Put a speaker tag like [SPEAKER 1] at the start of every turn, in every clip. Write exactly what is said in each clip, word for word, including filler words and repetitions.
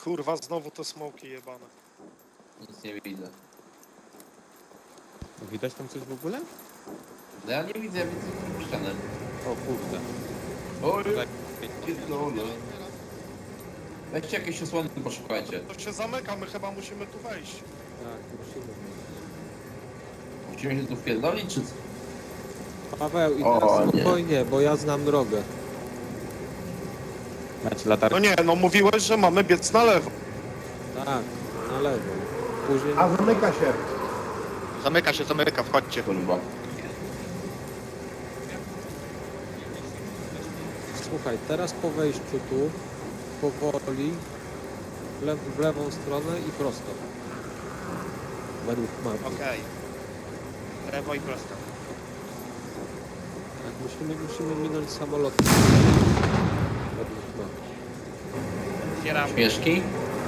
[SPEAKER 1] Kurwa, znowu te smoki jebane.
[SPEAKER 2] Nic nie widzę.
[SPEAKER 3] Widać tam coś w ogóle?
[SPEAKER 2] No ja nie widzę, ja widzę ścianę.
[SPEAKER 3] O kurde.
[SPEAKER 2] Oj, pierdolę. Weźcie jakieś osłony, poszukajcie.
[SPEAKER 1] To się zamyka, my chyba musimy tu wejść.
[SPEAKER 3] Tak, musimy.
[SPEAKER 2] Musimy się tu wpierdolić, czy co?
[SPEAKER 3] Paweł, i
[SPEAKER 2] O,
[SPEAKER 3] teraz
[SPEAKER 2] nie.
[SPEAKER 3] spokojnie, bo ja znam drogę. Macie
[SPEAKER 1] No
[SPEAKER 3] latarkę?
[SPEAKER 1] nie, no mówiłeś, że mamy biec na lewo.
[SPEAKER 3] Tak, na lewo. Później...
[SPEAKER 4] A zamyka się.
[SPEAKER 5] Zamyka się, zamyka, wchodźcie.
[SPEAKER 2] Kurwa.
[SPEAKER 3] Słuchaj, teraz po wejściu tu, powoli, w, le w lewą stronę i prosto. Według mapy.
[SPEAKER 5] Okej. Lewo i prosto.
[SPEAKER 3] Tak, musimy, musimy minąć samolot. Według mapy.
[SPEAKER 5] Otwieram.
[SPEAKER 2] Śmieszki?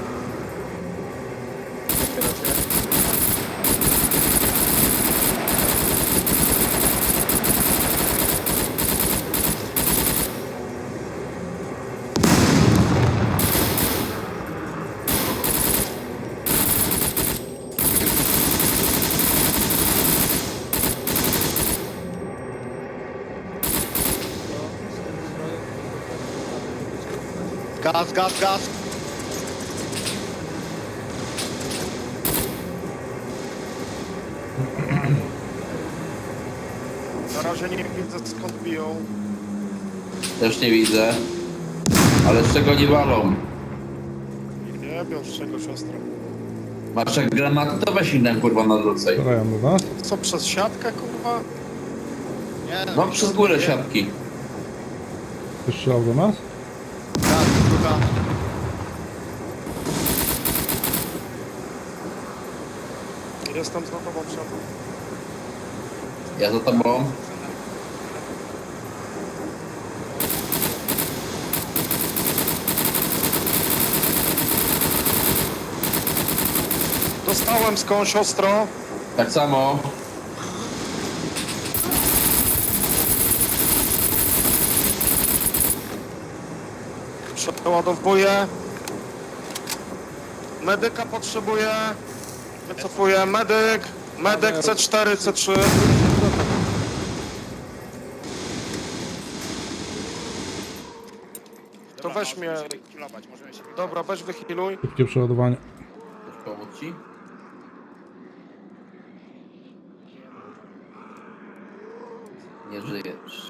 [SPEAKER 5] Gaz, gaz, gaz.
[SPEAKER 1] Na razie nie widzę skąd biją.
[SPEAKER 2] Też nie widzę. Ale z czego nie walą?
[SPEAKER 1] Nie bią z czego, siostra.
[SPEAKER 2] Masz jak granaty, to weź inne kurwa na drodze.
[SPEAKER 4] Strzelają do nas.
[SPEAKER 1] Co, przez siatkę, kurwa?
[SPEAKER 5] Nie,
[SPEAKER 2] No przez górę siatki.
[SPEAKER 4] Ktoś strzelał do nas?
[SPEAKER 5] Gaz, druga.
[SPEAKER 1] Jestem za tobą, Przemo.
[SPEAKER 2] Ja za tobą.
[SPEAKER 1] Dostałem skądś ostro.
[SPEAKER 2] Tak samo.
[SPEAKER 1] Przeładowuję. Medyka potrzebuję. Wycofuję. Medyk. Medyk C cztery, C trzy. To
[SPEAKER 5] Dobra,
[SPEAKER 1] weź mnie.
[SPEAKER 5] możemy się wykilować, możemy się wykilować.
[SPEAKER 1] Dobra, weź wychiluj.
[SPEAKER 4] Szybkie przeładowanie.
[SPEAKER 2] Chcesz pomóc ci? Nie żyjesz.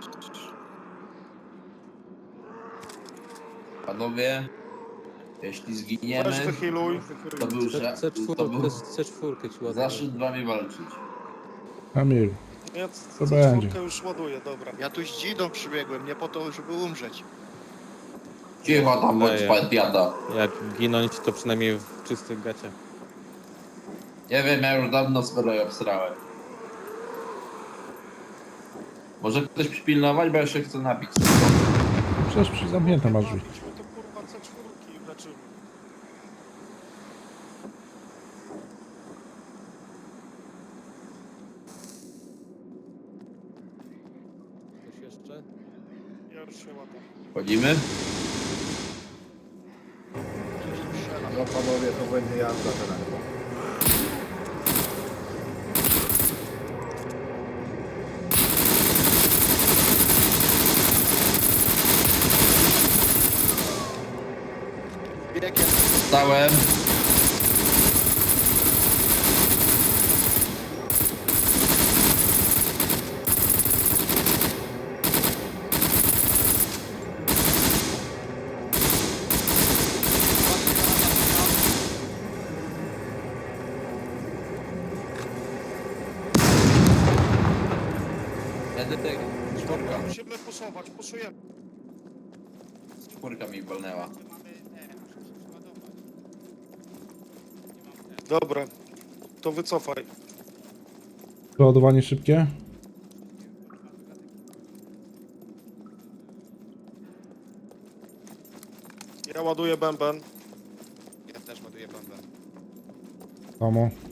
[SPEAKER 2] Panowie, jeśli
[SPEAKER 1] Weź
[SPEAKER 2] zginiemy,
[SPEAKER 1] wychiluj.
[SPEAKER 2] to był, że,
[SPEAKER 3] C cztery,
[SPEAKER 2] to był
[SPEAKER 3] C cztery ci ładuję.
[SPEAKER 2] zaszczyt z wami walczyć.
[SPEAKER 4] Kamil,
[SPEAKER 1] Ja
[SPEAKER 4] To
[SPEAKER 1] C
[SPEAKER 4] będzie.
[SPEAKER 1] cztery już ładuję, dobra.
[SPEAKER 5] Ja tu z dzidą przybiegłem, nie po to, żeby umrzeć.
[SPEAKER 2] Cicho tam, bądź
[SPEAKER 3] Daję.
[SPEAKER 2] padiata.
[SPEAKER 3] Jak ginąć, to przynajmniej w czystych gaciach.
[SPEAKER 2] Nie wiem, ja już dawno swoje obsrałem. Może ktoś przypilnować, bo ja się chcę napić.
[SPEAKER 4] przecież przy zamknięte masz drzwi.
[SPEAKER 1] Idźmy to kurwa C cztery i leczymy.
[SPEAKER 3] Coś jeszcze?
[SPEAKER 1] Ja już się ładuję.
[SPEAKER 2] Chodzimy?
[SPEAKER 4] No panowie, to będzie jazda teraz.
[SPEAKER 5] Biegiem.
[SPEAKER 2] Stałem. Będę tego. Czwórka.
[SPEAKER 1] Musimy puszować, puszujemy.
[SPEAKER 2] Czwórka mi walnęła.
[SPEAKER 1] Dobra, to wycofaj.
[SPEAKER 4] Przeładowanie szybkie.
[SPEAKER 1] Ja ładuję bęben.
[SPEAKER 5] Ja też ładuję bombę.
[SPEAKER 4] Samo.